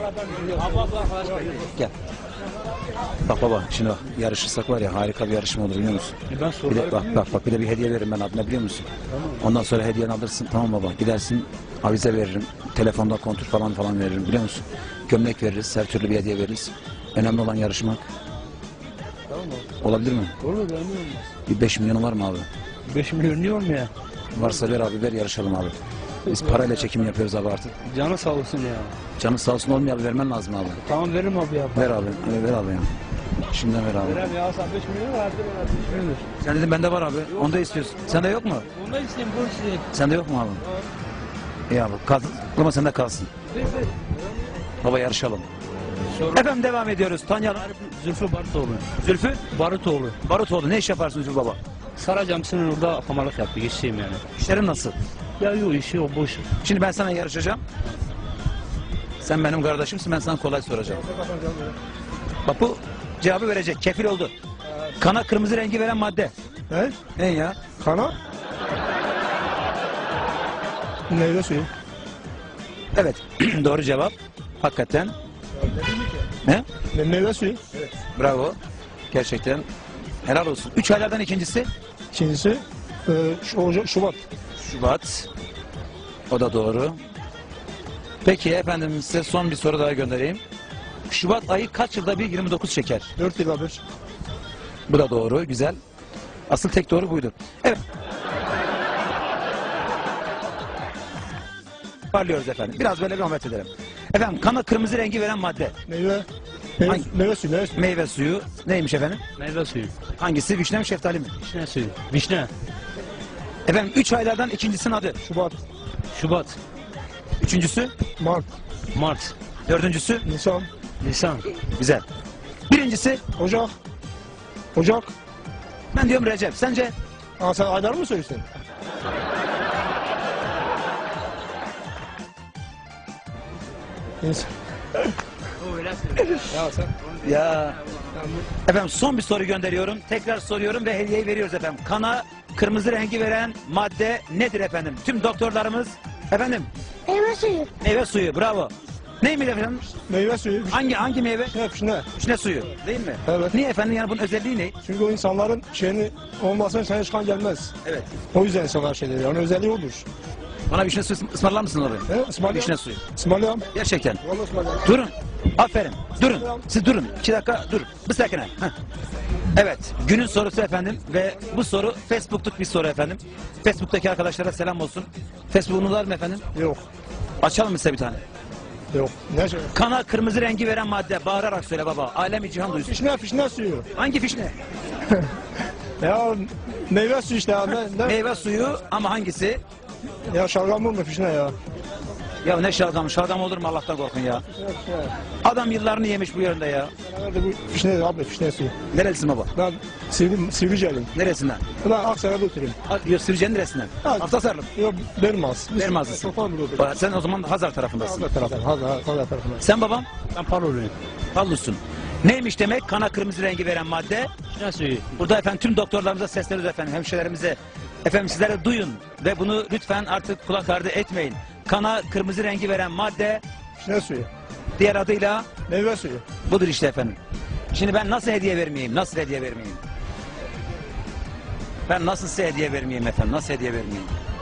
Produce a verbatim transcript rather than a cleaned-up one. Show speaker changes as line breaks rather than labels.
Gel. Bak baba, şimdi bak, yarışırsak var ya, harika bir yarışma olur, biliyor musun?
Ben
Bir de,
soruları
bak bak bak bir de bir hediye veririm ben adına, biliyor musun?
Tamam.
Ondan sonra hediyeni alırsın, tamam baba, gidersin avize veririm, telefonda kontur falan falan veririm, biliyor musun? Gömlek veririz, her türlü bir hediye veririz. Önemli olan yarışmak.
Tamam abi.
Olabilir mi?
Olur mu? Niye olmaz?
Bir beş milyonu var mı abi?
beş milyon niye olmuyor?
Varsa ver abi, ver, yarışalım abi. Biz parayla çekim yapıyoruz abi artık.
Canı sağ olsun ya.
Canın sağ olsun, olmuyor abi, vermen lazım abi.
Tamam veririm abi ya.
Ver abi, evet, ver abi ya. Şimdiden ver abi.
Verem ya sen beş milyon verdi bana beş milyon.
Sen dedin bende var abi, onu da istiyorsun. Sende yok mu?
Onu da isteyeyim bunu isteyeyim.
Sende yok mu abi? İyi abi, kalsın. Ama sende kalsın. Baba yarışalım.
Soru.
Efendim devam ediyoruz. Tanıyalım.
Zülfü Barutoğlu.
Zülfü
Barutoğlu.
Barutoğlu, ne iş yaparsın Zülfü baba?
Saray Camisi'nin orada hamallık yaptı. Geçeyim yani.
İşlerin nasıl?
Ya yok işi o boş.
Şimdi ben sana yarışacağım. Sen benim kardeşimsin, ben sana kolay soracağım. Bak bu cevabı verecek, kefil oldu. Kana kırmızı rengi veren madde.
He?
Ne ya?
Kana? Meyve suyu.
Evet, doğru cevap. Hakikaten. Ne?
Me meyve suyu.
Bravo. Gerçekten. Helal olsun. Üç aylardan ikincisi
İkincisi e, şu, Oca- Şubat.
Şubat. O da doğru. Peki efendim, size son bir soru daha göndereyim. Şubat ayı kaç yılda bir yirmi dokuz çeker?
Dört yılda bir.
Bu da doğru, güzel. Asıl tek doğru buydu. Evet. Parlıyoruz efendim. Biraz böyle rahmet edelim. Efendim, kana kırmızı rengi veren madde.
Meyve. Meyve,
Hangi?
meyve suyu. Meyve suyu.
Meyve suyu. Neymiş efendim?
Meyve suyu.
Hangisi? Vişne mi, şeftali mi?
Vişne suyu. Vişne.
Efendim, üç aylardan ikincisinin adı.
Şubat.
Şubat.
Üçüncüsü,
Mart.
Mart.
dördüncüsü,
Nisan.
Nisan.
güzel. Birincisi,
Ocak. Ocak.
ben diyorum Recep. Sence?
Aa, sen aylar mı söylüyorsun? Nisan.
Ya sen.
Ya. Efendim, son bir soru gönderiyorum. Tekrar soruyorum ve hediyeyi veriyoruz efendim. Kana kırmızı rengi veren madde nedir efendim? Tüm doktorlarımız, efendim,
Meyve suyu.
meyve suyu, bravo. Neymiş efendim?
Meyve suyu.
Hangi hangi meyve?
Vişne, vişne.
Vişne suyu, değil mi?
Evet.
Niye efendim, yani bunun özelliği ne?
Çünkü o insanların şeyini olmazsa sana çıkan gelmez.
Evet.
O yüzden insanlar şey dedi. Onun özelliği odur.
Bana vişne suyu ısmarlar mısın orayı?
He? İsmail
Vişne suyu.
İsmail
Gerçekten.
Vallahi İsmail
Durun. Aferin. Durun. Siz durun. İki dakika dur. Bir sakine. Heh. Evet. Günün sorusu efendim ve bu soru Facebook'luk bir soru efendim. Facebook'taki arkadaşlara selam olsun. Facebook'unuz var mı efendim?
Yok.
Açalım mı size bir tane?
Yok. Ne şey?
Kana kırmızı rengi veren madde. Bağırarak söyle baba. Alemi cihan duysun.
Fişne, fişne suyu.
Hangi fişne?
Ya meyve suyu işte ya. Ne, ne?
Meyve suyu ama hangisi?
Ya şalgam mı fişne ya?
Ya ne şalgam? Şalgam olur mu, Allah'tan korkun ya. Adam yıllarını yemiş bu yerinde ya.
Nerede bu fişne abi fişne suyu.
Nerelisin baba?
Ben Sivri, Sivriceliyim.
Neresinden?
Ben Aksaray'da oturuyorum.
Yok, Sivrice'nin neresinden?
Ha.
Haftasarlı.
Yok Bermaz. Biz
Bermazlısın.
Sofan burada oturuyoruz.
Bak, sen o zaman Hazar tarafındasın.
Hazar tarafı. Hazar, Hazar tarafında.
Sen babam?
Ben paroluyum.
Pallusun. Neymiş demek? Kana kırmızı rengi veren madde.
Vişne suyu.
Burada efendim tüm doktorlarımıza sesleniyoruz efendim, hemşirelerimize. Efendim sizlere duyun ve bunu lütfen artık kulak ardı etmeyin. Kana kırmızı rengi veren madde,
Fişne suyu.
diğer adıyla
Meyve suyu.
budur işte efendim. Şimdi ben nasıl hediye vermeyeyim? Nasıl hediye vermeyeyim? Ben nasıl size hediye vermeyeyim efendim? Nasıl hediye vermeyeyim?